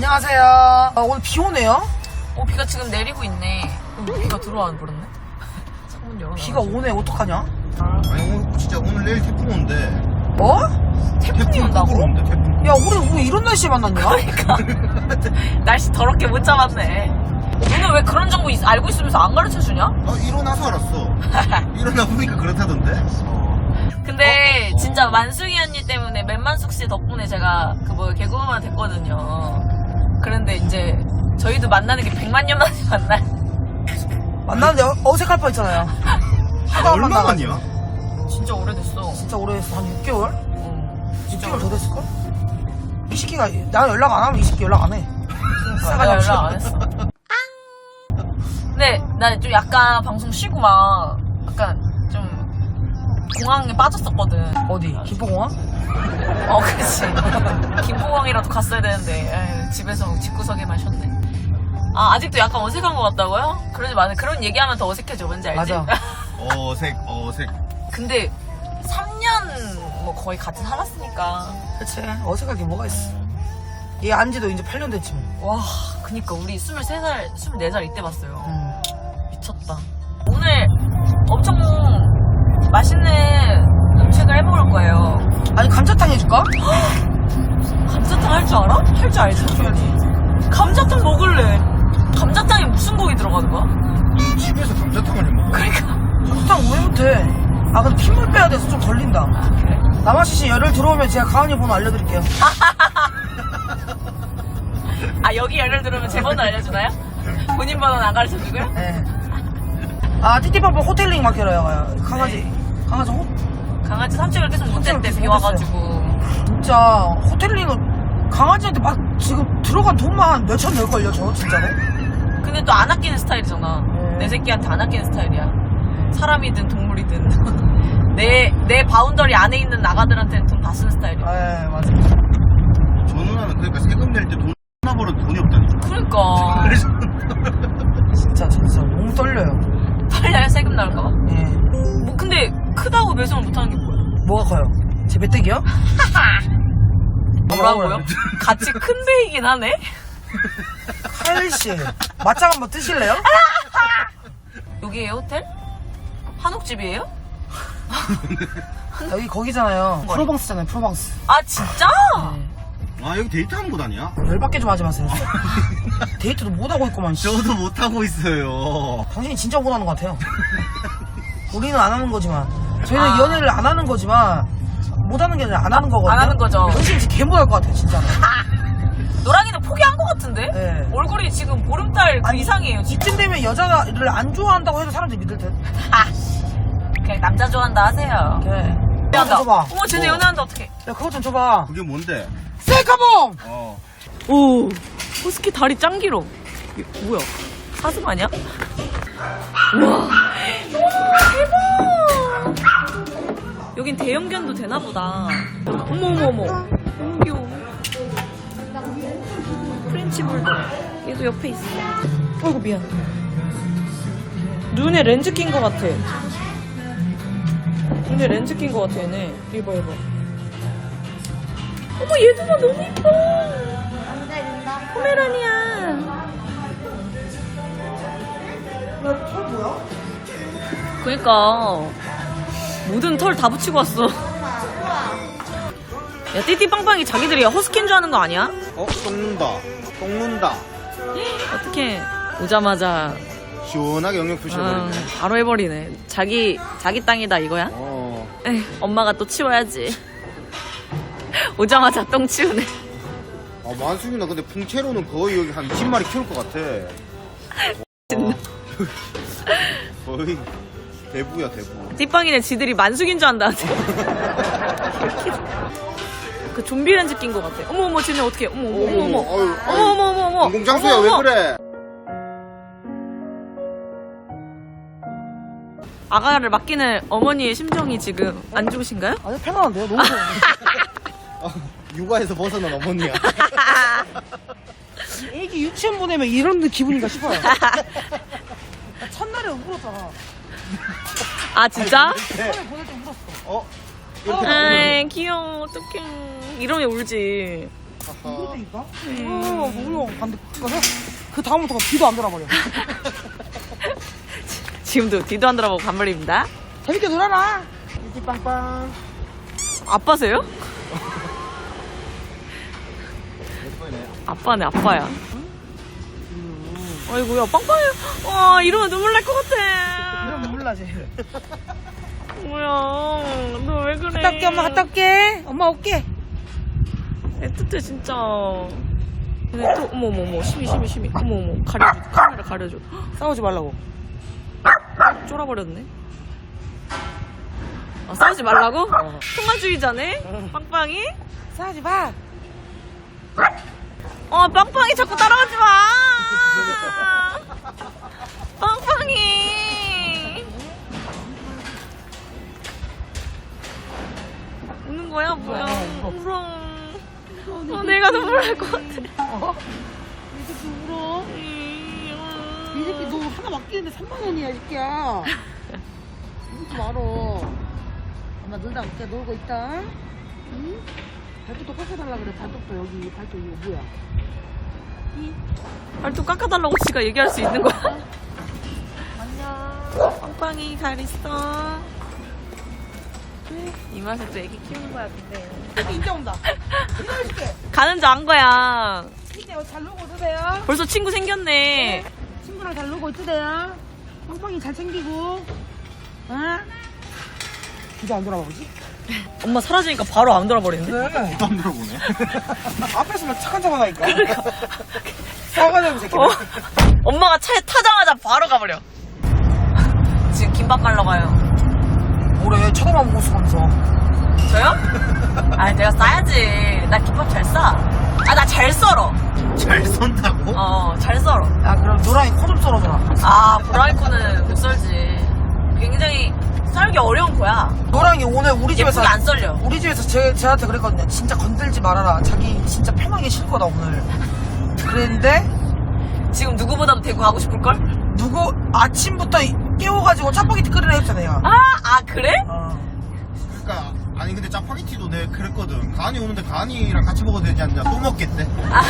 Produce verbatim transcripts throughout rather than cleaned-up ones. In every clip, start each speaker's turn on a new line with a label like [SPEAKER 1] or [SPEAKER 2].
[SPEAKER 1] 안녕하세요. 어, 오늘 비 오네요?
[SPEAKER 2] 어, 비가 지금 내리고 있네. 어, 비가 들어와는 버렸네. 창문 열어.
[SPEAKER 1] 비가 오네, 어떡하냐?
[SPEAKER 3] 아니 오늘 진짜 오늘 내일 태풍 온대.
[SPEAKER 1] 뭐?
[SPEAKER 2] 태풍이
[SPEAKER 3] 태풍
[SPEAKER 2] 온다고?
[SPEAKER 3] 거꾸로 온대 태풍.
[SPEAKER 1] 야, 우리 왜 이런 날씨에 만났냐?
[SPEAKER 2] 그러니까. 날씨 더럽게 못 잡았네. 너는 왜 그런 정보 있- 알고 있으면서 안 가르쳐 주냐?
[SPEAKER 3] 아 일어나서 알았어. 일어나 보니까 그렇다던데.
[SPEAKER 2] 근데
[SPEAKER 3] 어, 어.
[SPEAKER 2] 진짜 만숙이 언니 때문에 맨만숙 씨 덕분에 제가 그 뭐 개그우먼 됐거든요. 그런데 이제 저희도 만나는 게 백만 년 만에 만나요.
[SPEAKER 1] 만났는데 어- 어색할 뻔 했잖아요. 하다 안
[SPEAKER 3] 얼마
[SPEAKER 1] 만나가지고.
[SPEAKER 3] 만이야?
[SPEAKER 2] 진짜 오래됐어.
[SPEAKER 1] 진짜 오래됐어. 한 육 개월?
[SPEAKER 2] 어,
[SPEAKER 1] 육 개월 더 됐을걸? 이 새끼가, 나 연락 안 하면 이 새끼 연락 안 해.
[SPEAKER 2] 내가 연락 안 했어. 근데 나 좀 약간 방송 쉬고 막 약간 좀 공항에 빠졌었거든.
[SPEAKER 1] 어디? 김포공항?
[SPEAKER 2] 어, 그치. 김포공항이라도 갔어야 되는데 에휴, 집에서 집구석에만 쉬었네. 아, 아직도 약간 어색한 것 같다고요? 그러지 마. 그런 얘기하면 더 어색해져. 뭔지 알지?
[SPEAKER 1] 맞아.
[SPEAKER 3] 어색 어색.
[SPEAKER 2] 근데 삼 년 뭐 거의 같이 살았으니까.
[SPEAKER 1] 그치. 어색하게 뭐가 있어. 얘 안지도 이제 팔 년 됐지 뭐.
[SPEAKER 2] 와, 그니까 우리 스물세 살, 스물네 살 이때 봤어요.
[SPEAKER 1] 음.
[SPEAKER 2] 미쳤다. 오늘 엄청 맛있는 음식을 해먹을 거예요.
[SPEAKER 1] 아니, 감자탕 해줄까?
[SPEAKER 2] 감자탕 할 줄 알아? 할 줄 알지?
[SPEAKER 1] 해줘야지.
[SPEAKER 2] 감자탕 먹을래. 감자탕에 무슨 고기 들어가는 거야?
[SPEAKER 3] 너 집에서 감자탕을 해 먹어?
[SPEAKER 2] 그러니까.
[SPEAKER 1] 감자탕 왜 못해? 아, 근데 핏물 빼야 돼서 좀 걸린다.
[SPEAKER 2] 그래?
[SPEAKER 1] 남아씨씨 열흘 들어오면 제가 가은이 번호 알려드릴게요.
[SPEAKER 2] 아, 여기 예를 들으면 제 번호 알려주나요? 본인 번호는 안 가르쳐주고요?
[SPEAKER 1] 네. 아, 띠띠빵빵 호텔링 맡겨라요, 가요. 강아지.
[SPEAKER 2] 네.
[SPEAKER 1] 강아지 호,
[SPEAKER 2] 강아지 산책을 계속 못했대, 비
[SPEAKER 1] 못했어요.
[SPEAKER 2] 와가지고.
[SPEAKER 1] 진짜, 호텔링은 강아지한테 막 지금 들어간 돈만 몇천 낼걸요, 저, 진짜로?
[SPEAKER 2] 근데 또 안 아끼는 스타일이잖아.
[SPEAKER 1] 네.
[SPEAKER 2] 내 새끼한테 안 아끼는 스타일이야. 사람이든 동물이든. 내, 내 바운더리 안에 있는 나가들한테는 돈 다 쓰는 스타일이야.
[SPEAKER 1] 에 맞아.
[SPEAKER 3] 저 누나는 그러니까 세금 낼 때 돈 하나 벌어도 돈이 없다니까.
[SPEAKER 2] 그러니까.
[SPEAKER 3] 그래서
[SPEAKER 1] 진짜, 진짜, 너무 떨려요.
[SPEAKER 2] 빨리 세금 나올까봐.
[SPEAKER 1] 예.
[SPEAKER 2] 뭐, 근데 크다고 매수를 못하는 게 뭐야?
[SPEAKER 1] 뭐가 커요? 제 멧돼지요?
[SPEAKER 2] 뭐라고요? 같이 큰 데이긴 하네?
[SPEAKER 1] 카일씨, 맞짱 한번 뜨실래요?
[SPEAKER 2] 여기에요, 호텔? 한옥집이에요?
[SPEAKER 1] 여기 거기잖아요. 프로방스잖아요, 프로방스.
[SPEAKER 2] 아, 진짜?
[SPEAKER 3] 아 여기 데이트하는 곳 아니야?
[SPEAKER 1] 열받게 좀 하지 마세요. 데이트도 못하고 있구만, 씨.
[SPEAKER 3] 저도 못 하고 있어요.
[SPEAKER 1] 당신이 진짜 못하는 것 같아요. 우리는 안 하는 거지만, 저희는
[SPEAKER 2] 아.
[SPEAKER 1] 연애를 안 하는 거지만, 못하는 게 아니라 안 하는 거거든요.
[SPEAKER 2] 안 하는 거죠.
[SPEAKER 1] 당신이 진짜 개 못할 것 같아요, 진짜.
[SPEAKER 2] 노랑이는 포기한 것 같은데?
[SPEAKER 1] 네.
[SPEAKER 2] 얼굴이 지금 보름달 그
[SPEAKER 1] 아니,
[SPEAKER 2] 이상이에요, 지금.
[SPEAKER 1] 이쯤 되면 여자를 안 좋아한다고 해도 사람들이 믿을 듯.
[SPEAKER 2] 아, 그냥 남자 좋아한다 하세요.
[SPEAKER 1] 그래.
[SPEAKER 2] 연애한다.
[SPEAKER 1] 줘봐.
[SPEAKER 2] 어머, 쟤네
[SPEAKER 3] 뭐?
[SPEAKER 2] 연애한다, 어떡해.
[SPEAKER 1] 야, 그거 좀 줘봐.
[SPEAKER 3] 그게 뭔데?
[SPEAKER 1] 셀카봉!
[SPEAKER 3] 어.
[SPEAKER 2] 오, 호스키 다리 짱 길어. 이게 뭐야? 사슴 아니야? 우와. 우와, 대박! 여긴 대형견도 되나보다. 어머, 어머, 어머. 너무 귀여워. 프렌치 불독. 얘도 옆에 있어. 아이고, 미안. 눈에 렌즈 낀 것 같아. 눈에 렌즈 낀 것 같아, 얘네. 이봐, 이봐. 어머, 얘도 봐, 너무 이뻐. 포메라니야.
[SPEAKER 1] 야, 털 뭐야?
[SPEAKER 2] 그니까 모든 털 다 붙이고 왔어. 야, 띠띠빵빵이 자기들이 허스키인 줄 아는 거 아니야?
[SPEAKER 3] 어? 똥는다. 똥는다.
[SPEAKER 2] 어떡해. 오자마자
[SPEAKER 3] 시원하게 영역
[SPEAKER 2] 아,
[SPEAKER 3] 푸셔버리네.
[SPEAKER 2] 바로 해버리네. 자기 자기 땅이다 이거야?
[SPEAKER 3] 어.
[SPEAKER 2] 에이, 엄마가 또 치워야지. 오자마자 똥 치우네.
[SPEAKER 3] 아 만숙이나 근데 풍채로는 거의 여기 한 이십 마리 키울 것 같아. 와. 거의 대부야 대부.
[SPEAKER 2] 띠빵이네 지들이 만숙인 줄 안다. 그 좀비 렌즈 낀 것 같아. 어머 어머 쟤네 어떡해. 어머 어머 어머 어머
[SPEAKER 3] 어휴,
[SPEAKER 2] 어머 어머 어머 어머
[SPEAKER 3] 공공장소야
[SPEAKER 2] 어머,
[SPEAKER 3] 왜
[SPEAKER 2] 어머.
[SPEAKER 3] 그래?
[SPEAKER 2] 아가를 맡기는 어머니의 심정이 지금 안 좋으신가요?
[SPEAKER 1] 아니, 편안한데요? 너무 좋아.
[SPEAKER 3] 아, 육아에서 벗어난 어머니야.
[SPEAKER 1] 애기 유치원 보내면 이런 기분인가 싶어요. 첫날에 울었잖아.
[SPEAKER 2] 아 진짜?
[SPEAKER 1] 처음에 보낼 때 울었어.
[SPEAKER 3] 어? 이렇게
[SPEAKER 2] 아이 귀여워 어떡해. 이러면 울지.
[SPEAKER 1] 그러니까? 어, 뭐야. 반대. 그 다음부터 뒤도 안 돌아버려.
[SPEAKER 2] 지금도 뒤도 안 돌아보고 간말입니다.
[SPEAKER 1] 재밌게 놀아라.
[SPEAKER 3] 이지 빵빵.
[SPEAKER 2] 아빠세요? 아빠네, 아빠야. 아이고야, 빵빵해. 와, 이러면 눈물 날 것 같아.
[SPEAKER 1] 이러면 눈물 나지.
[SPEAKER 2] 뭐야, 너 왜 그래?
[SPEAKER 1] 갔다 올게, 엄마 갔다 올게. 엄마 올게.
[SPEAKER 2] 애틋해, 진짜. 근데 또, 어머, 어머, 어머, 심이, 심이, 심이. 어머, 어머, 가려줘. 카메라 가려줘.
[SPEAKER 1] 싸우지 말라고.
[SPEAKER 2] 쫄아버렸네. 어, 싸우지 말라고? 평화주의자네? 빵빵이?
[SPEAKER 1] 싸우지 마.
[SPEAKER 2] 어, 빵빵이 자꾸 따라오지 마! 빵빵이! 우는 거야? 뭐야? 울어. 어, 내가 눈물 날 것 같아.
[SPEAKER 1] 어? 이 새끼 울어. 이 새끼 너 하나 맡기는데 삼만 원이야, 이 새끼야. 울지 말어. 엄마 놀다 올게. 놀고 있다. 응? 발톱도 깎아달라 그래. 발톱도 여기, 발톱 이거 뭐야?
[SPEAKER 2] 발톱 깎아달라고 지가 얘기할 수 있는 거야?
[SPEAKER 1] 안녕.
[SPEAKER 2] 빵빵이 잘 있어. 이 맛에 또 애기 키우는 거야, 근데.
[SPEAKER 1] 새끼 인자 온다. 이거
[SPEAKER 2] 가는 줄 안 거야.
[SPEAKER 1] 이제 잘 놀고 있으세요.
[SPEAKER 2] 벌써 친구 생겼네.
[SPEAKER 1] 친구랑 잘 놀고 있으세요. 빵빵이 잘 챙기고. 응? 이제 안 돌아보지?
[SPEAKER 2] 엄마 사라지니까 바로 안 돌아버리는데?
[SPEAKER 1] 네.
[SPEAKER 3] 안 들어보네.
[SPEAKER 1] 앞에서만 착한 척 하니까. 싸가지 새끼.
[SPEAKER 2] 어? 엄마가 차에 타자마자 바로 가버려. 지금 김밥 갈러 가요.
[SPEAKER 1] 뭐래, 쳐다만 보고 있으면서.
[SPEAKER 2] 저요? 아니, 내가 싸야지. 나 김밥 잘 싸. 아, 나 잘 썰어.
[SPEAKER 3] 잘 선다고?
[SPEAKER 2] 어, 잘 썰어.
[SPEAKER 1] 야, 그럼 노랑이 코 좀 썰어줘라.
[SPEAKER 2] 아, 브라이 코는 못 썰지. 굉장히 썰기 어려운 거야.
[SPEAKER 1] 노랑이 오늘 우리 집에서.
[SPEAKER 2] 예쁘게 안 썰려.
[SPEAKER 1] 우리 집에서 제, 쟤한테 그랬거든요. 진짜 건들지 말아라. 자기 진짜 편하게 쉴 거다, 오늘. 그랬는데,
[SPEAKER 2] 지금 누구보다도 대구 가고 싶을걸?
[SPEAKER 1] 누구 아침부터 깨워가지고 짜파게티 끓이라 했잖아요.
[SPEAKER 2] 아, 아, 그래?
[SPEAKER 1] 어.
[SPEAKER 3] 그러니까 아니 근데 짜파게티도 내가 그랬거든. 가은이 오는데 가은이랑 같이 먹어도 되지 않냐? 또 먹겠대.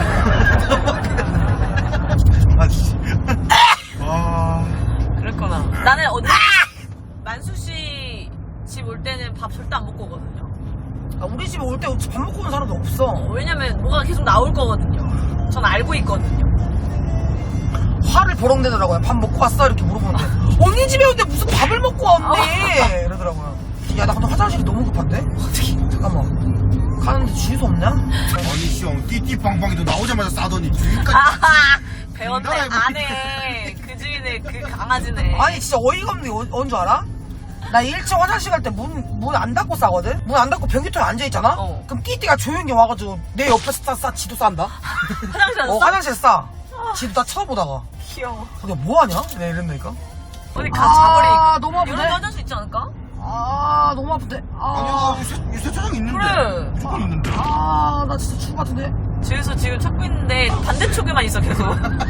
[SPEAKER 3] 아 진짜. 와.
[SPEAKER 2] 그랬구나. 나는 언니, 만수 씨 집 올 때는 밥 절대 안 먹고 오거든요.
[SPEAKER 1] 아, 우리 집에 올 때 밥 먹고 오는 사람도 없어.
[SPEAKER 2] 왜냐면 뭐가 계속 나올 거거든요. 전 알고 있거든요.
[SPEAKER 1] 화를 버럭내더라고요. 밥 먹고 왔어? 이렇게 물어보는데. 언니 집에 오는데 무슨 밥을 먹고 왔네? 이러더라고요. 야, 나 근데 화장실이 너무 급한데? 어떻게? 잠깐만. 가는데 주유소 없냐?
[SPEAKER 3] 아니 시영 띠띠빵빵이도 나오자마자 싸더니 주위까지.
[SPEAKER 2] 아하! 배웠네.
[SPEAKER 3] 나라에
[SPEAKER 2] 아네. 그 주인의 그 강아지네.
[SPEAKER 1] 아니, 진짜 어이가 없는 게 어- 언 줄 알아? 나 일 층 화장실 갈 때 문, 문 안 닫고 싸거든? 문 안 닫고 변기통에 앉아있잖아?
[SPEAKER 2] 어.
[SPEAKER 1] 그럼 띠띠가 조용히 와가지고 내 옆에서 싸, 싸, 지도 싼다?
[SPEAKER 2] 화장실 안
[SPEAKER 1] 어,
[SPEAKER 2] 어,
[SPEAKER 1] 화장실 싸. 지도 다 쳐다보다가.
[SPEAKER 2] 귀여워.
[SPEAKER 1] 근데 뭐하냐? 내가 이랬다니까?
[SPEAKER 2] 어디 가서 자버리니까.
[SPEAKER 1] 아, 너무 아프네.
[SPEAKER 2] 이런 데 화장실 있지 않을까?
[SPEAKER 1] 아, 너무 아픈데. 아,
[SPEAKER 3] 아니야 세- 세차장 있는데.
[SPEAKER 2] 그래.
[SPEAKER 3] 무조건 있는데.
[SPEAKER 1] 아, 나 진짜 죽을 것 같은데.
[SPEAKER 2] 집에서 지금 찾고 있는데 반대쪽에만 있어 계속.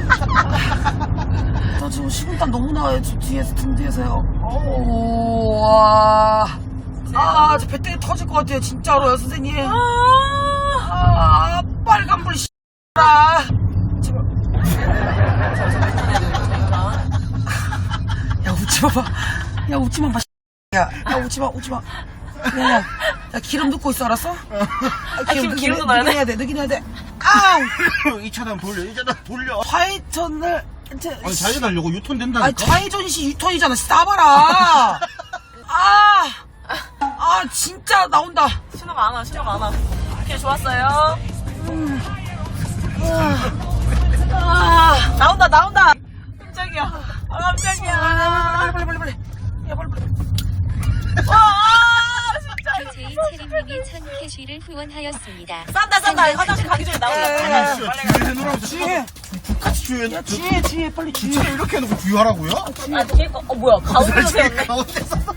[SPEAKER 1] 나 지금 식은땀 너무 나요. 저 뒤에서, 등 뒤에서요. 어우, 와. 아, 저 배때기 터질 것 같아요. 진짜로요, 선생님.
[SPEAKER 2] 아,
[SPEAKER 1] 아, 빨간불, 씨라. 제발. 야, 웃지 마 봐. 야, 웃지 마 봐. 야, 야, 웃지 마, 웃지 마. 야, 야, 야, 기름 넣고 있어, 알았어? 아,
[SPEAKER 2] 기름- 기름도 넣어야 돼?
[SPEAKER 1] 넣긴 해야 돼, 넣긴 해야 돼. 아우!
[SPEAKER 3] 이 차단 돌려 이 차단 돌려.
[SPEAKER 1] 좌회전을, 이제,
[SPEAKER 3] 아니 잘 달려고 유턴
[SPEAKER 1] 아,
[SPEAKER 3] 된다니까.
[SPEAKER 1] 좌회전시 유턴이잖아. 싸봐라. 아, 아, 진짜 나온다.
[SPEAKER 2] 신호가 안 와, 신호가 안 와. 오케이, 좋았어요.
[SPEAKER 1] 아,
[SPEAKER 2] 나온다, 나온다. 깜짝이야. 아,
[SPEAKER 1] 아,
[SPEAKER 2] 깜짝이야.
[SPEAKER 1] 빨리, 빨리, 빨리, 빨리. 야, 빨리, 빨리.
[SPEAKER 2] 와, 아, 진짜.
[SPEAKER 4] 제이 체리님이 천 캐시를 후원하였습니다.
[SPEAKER 2] 싼다, 싼다. 화장실 가기 전에 나온다.
[SPEAKER 1] 야, 야,
[SPEAKER 3] 아니
[SPEAKER 1] 야,
[SPEAKER 3] 진짜
[SPEAKER 2] 빨리
[SPEAKER 3] 주유해 놓으라고.
[SPEAKER 1] 주유해.
[SPEAKER 3] 국같이 주유해.
[SPEAKER 1] 야, 주유해, 주유해, 빨리
[SPEAKER 3] 주차
[SPEAKER 1] 주유해.
[SPEAKER 3] 이렇게 해놓고 주유하라고요?
[SPEAKER 2] 아, 뒤에 거, 어, 뭐야. 가운데서
[SPEAKER 3] 사실
[SPEAKER 2] 세웠네.
[SPEAKER 3] 가운데서.